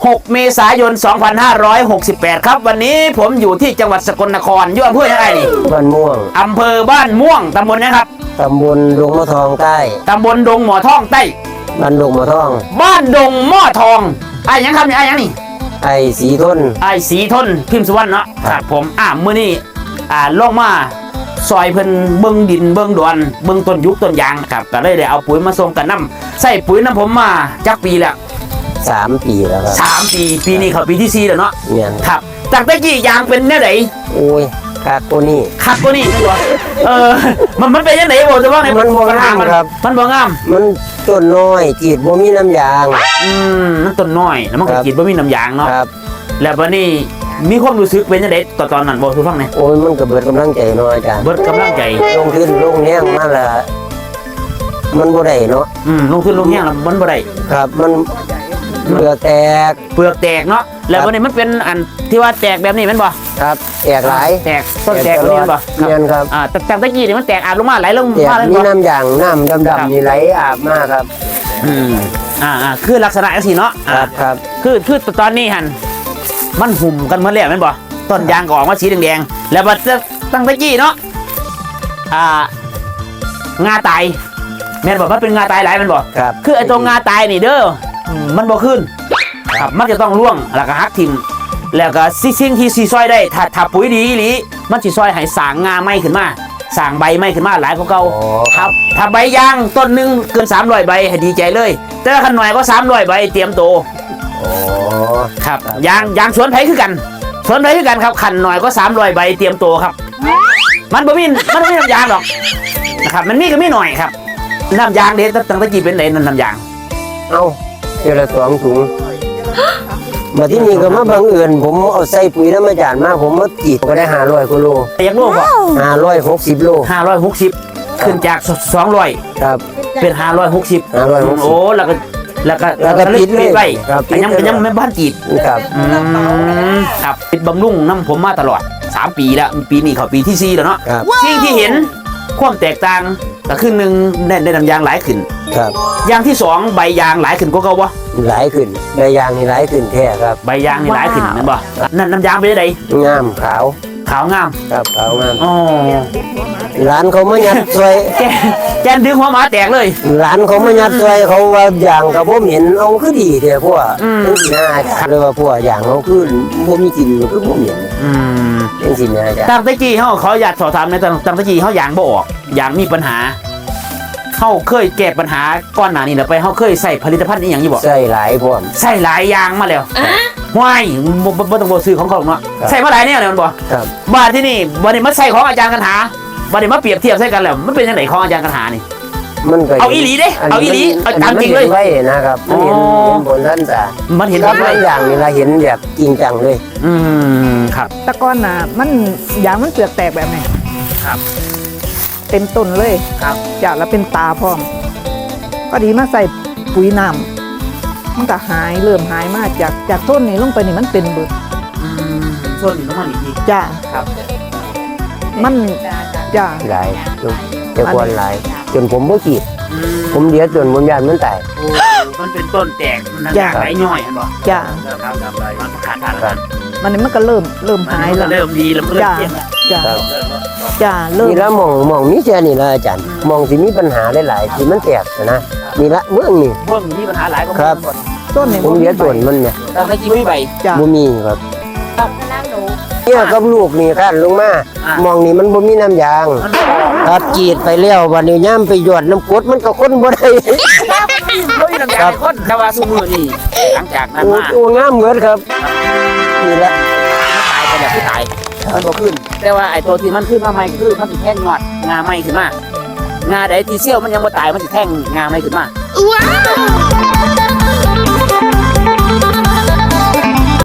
6 เมษายน 2568 ครับวันนี้ผมอยู่ที่จังหวัดสกลนครอยู่อำเภอยังไงนี่บ้านม่วงอำเภอบ้านม่วงตำบลนะครับตำบลดงมะทองใต้ตำบลดงหมอทองใต้บ้านดงมะทองบ้านดงหม้อทองไอ้ยังครับนี่ไอ้ยังนี่ไอ้สีทนไอ้สีทนพิมพ์สุวรรณเนาะครับผมมื้อนี้ลงมาซอยเพิ่นเบิ่งดินเบิ่งดอนเบิ่งต้นยุคต้นยางครับก็เลยได้เอาปุ๋ยมาส่งกันน้ำใส่ปุ๋ยน้ำผมมาจักปีแล้ว 3 ปีแล้วครับปีนี้เขาปีที่4แล้วเนาะเนี่ยครับจากตะกี้ยางเป็นแนวไหนโอ้ยคักตัวนี้มันเป็นยังไงบอกจะว่าไงมันบ่งามครับมันบ่งามมันต้นน้อยจีดบ่มีน้ำยางมันต้นน้อยแล้วมันก็จีดบ่มีน้ำยางเนาะครับแล้ววันนี้มีความรู้สึกเป็นยังไงตอนนั้นบอกทุกฟังไงโอ้ยมันก็เบิดกำลังใจน้อยอาจารย์เบิดกำลังใจลงทุนลงแห้งมาละมันบ่ได้เนาะลงทุนลงแห้งแล้วมันบ่ได้ครับมันเปลือกแตกเนาะแล้ววันนี้มันเป็นอันที่ว่าแตกแบบนี้มันบ่ครับแตกหลายต้นแตกแบบนี้บ่ครับจากตะกี้นี่มันแตกอาบลงมาไหลลงมาเลยมีน้ำยางน้ำดำๆนี่ไหลอาบมากครับคือลักษณะสิเนาะครับคือตอนนี้หันมันหุ่มกันเมื่อแล้วแม่นบ่ต้นยางก็ออกมาสีแดงๆแล้วบัดตั้งตะกี้เนาะงาตายแม่นบ่มันเป็นงาตายหลายแม่นบ่คือไอ้ตัวงาตายนี่เด้อมันบ่ขึ้นครับมันจะต้องร่วงแล้วก็หักทิ่มแล้วก็สิ่งที่สิซอยได้ถ้าปุ๋ยดีอีหลีมันสิซอยให้สางงาใหม่ขึ้นมาสางใบใหม่ขึ้นมาหลายกว่าเก่าครับถ้าใบยางต้นนึงเกิน300ใบให้ดีใจเลยแต่ถ้าคันหน่อยก็300ใบเตรียมโตครับยางสวนไผคือกันครับคันหน่อยก็300ใบเตรียมโตครับมันบ่มีน้ำยางหรอกนะครับมันมีก็มีหน่อยครับน้ำยางเด็ดตั้งแต่กี่เป็นไหนน้ำยางเอาเดือนละ2 ถุงมาที่นี่ก็มาบังเอิญผมเอาใส่ปุ๋ยน้ำมันจานมาผมมาจีดก็ได้500กิโลยังโลป่ะ 560 โล 560ขึ้นจาก200 ครับเป็น560โอ้แล้วก็ปิดไว้ยังไม่บ้านจีดครับครับปิดบำรุงน้ำผมมาตลอด3 ปีแล้วปีนี้เขาปีที่4แล้วเนาะที่เห็นความแตกต่างก็ครึ่งนึงได้น้ำยางหลายขึ้นครับอย่างที่2ใบยางหลายขึ้นก็เก่าวะหลายขึ้นใบยางนี่หลายขึ้นแท้ครับใบยางนี่หลายขึ้นนั่นบ่นั่นน้ำยางเป็นยังไงงามขาวงามครับขาวงามร้านเขาไม่ยัดซอยแกนดึงหัวหมาแตกเลยร้านเขาไม่ยัดซอยเขาว่าอย่างกับผมเห็นเอาคือดีเถอะพวกน่าเลยว่าพวกอย่างเขาคือผมมีกินคือผมเห็นเป็นสินนะจ๊ะตั้งแต่กี้เขาอยากสอบถามในตั้งแต่กี้เขายางบ่ออกยางมีปัญหาเขาเคยแก้ปัญหาก้อนหนานี่ไปเขาเคยใส่ผลิตภัณฑ์นี้อย่างนี้บ่ใส่หลายพวกใส่หลายยางมาแล้วห้วยบ่ต้องซื้อของเขาเนาะใส่มาหลายเนี่ยเลยมันบ่บ้านที่นี่วันนี้มาใส่ของอาจารย์กันหาวันนี้มาเปรียบเทียบใส่กันแล้วมันเป็นยังไงของอาจารย์กันหานี่มันก็เอาอีหลีเด้เอาอีหลีเอาตามจริงเลยไว้นะครับมันเห็นบนท่านตามันเห็นหลายอย่างนี่เราเห็นแบบจริงจังเลยครับตะก้อนน่ะมันยางมันเปลือกแตกแบบไหนครับเต็มต้นเลยครับจากแล้วเป็นตาพร้อมพอดีมาใส่ปุ๋ยน้ำมันก็เริ่มหายมากจากต้นนี้ลงไปนี่มันเป็นเบิดต้นนี้ต้องมาอีกทีจ้าครับมันจ้าหลายจะควรหลายจนผมบ่ขีดผมเดียวจนผมยานมันแตกมันเป็นต้นแตกมันหลายย่อยอันบ่จ้าครับมันขาดมันก็เริ่มหายแล้วเริ่มดีแล้วจ้าเริ่มนี่ละมองมีแค่นี่ละอาจารย์มองที่มีปัญหาหลายๆที่มันแตกนะนี่ละเมืองนี่มีปัญหาหลายก็ครับต้นนี่ผมเดียวต้นมันเนี่ยแล้วไม่กี่ใบบ่มีครับเนี่ยกับลูกนี่ขั้นลงมามองนี่มันบ่มีน้ำยางครับจีดไปแล้ววันนี้ย่ำไปหยดน้ำกรดมันก็ค้นบ่ได้บ่มีน้ำยางค้นแต่ว่าซุมื้อนี่หลังจากนั้นมาโอ้งามเหมือนครับนี่แหละตายไปแล้วที่ตายมันบ่ขึ้นแต่ว่าไอ้ตัวที่มันขึ้นมาใหม่คือมันสิแท่งยอดงาใหม่ขึ้นมางาใดที่เซี่ยวมันยังบ่ตายมันสิแท่งงาใหม่ขึ้นมาว้าว